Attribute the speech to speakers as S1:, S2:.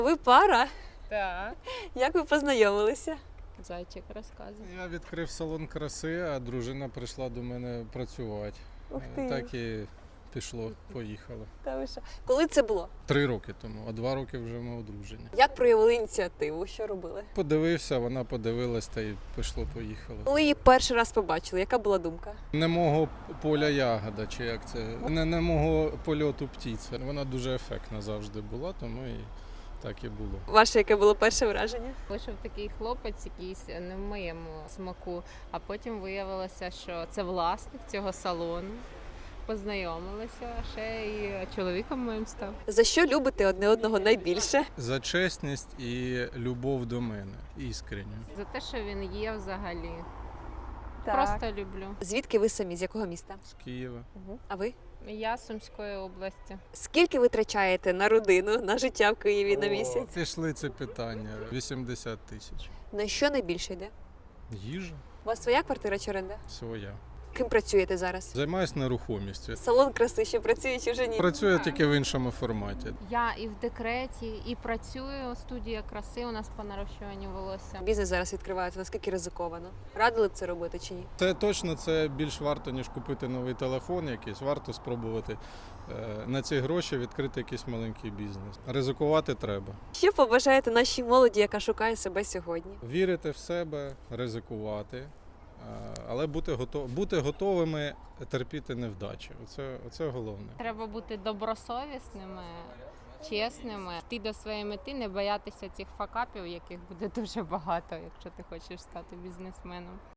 S1: Ви пара?
S2: Так.
S1: Як ви познайомилися?
S2: Зайчик розказує.
S3: Я відкрив салон краси, а дружина прийшла до мене працювати.
S1: Ух ти.
S3: Так і пішло, поїхало.
S1: Та ви що? Коли це було?
S3: 3 роки тому, а 2 роки вже ми одружені.
S1: Як проявили ініціативу? Що робили?
S3: Подивився, вона подивилась та й пішло-поїхало.
S1: Коли її перший раз побачили, яка була думка?
S3: Не мого поля ягода, чи як це, не мого польоту птиця. Вона дуже ефектна завжди була, тому і так і було.
S1: Ваше яке було перше враження?
S2: Вийшов такий хлопець, якийсь не в моєму смаку, а потім виявилося, що це власник цього салону. Познайомилися, ще і чоловіком моїм став.
S1: За що любите одне одного найбільше?
S3: За чесність і любов до мене, іскренню.
S2: За те, що він є взагалі. Просто люблю.
S1: Звідки ви самі? З якого міста?
S3: З Києва.
S1: А ви?
S2: Я з Сумської області.
S1: Скільки ви витрачаєте на родину, на життя в Києві на місяць?
S3: Пішли це питання. 80 тисяч.
S1: На що найбільше йде?
S3: Їжа
S1: У вас своя квартира чи оренда?
S3: своя.
S1: Ким працюєте зараз?
S3: Займаюсь нерухомістю.
S1: Салон краси ще працює чи вже ні?
S3: Працюю тільки в іншому форматі.
S2: Я і в декреті, і працюю. Студія краси у нас по нарощуванню волосся.
S1: Бізнес зараз відкривається, наскільки ризиковано? Радили б це робити чи ні?
S3: Це точно це більш варто, ніж купити новий телефон якийсь. Варто спробувати на ці гроші відкрити якийсь маленький бізнес. Ризикувати треба.
S1: Що побажаєте нашій молоді, яка шукає себе сьогодні?
S3: Вірити в себе, ризикувати, але бути готовими терпіти невдачі. Оце головне.
S2: Треба бути добросовісними, чесними, йти до своєї мети, не боятися цих факапів, яких буде дуже багато, якщо ти хочеш стати бізнесменом.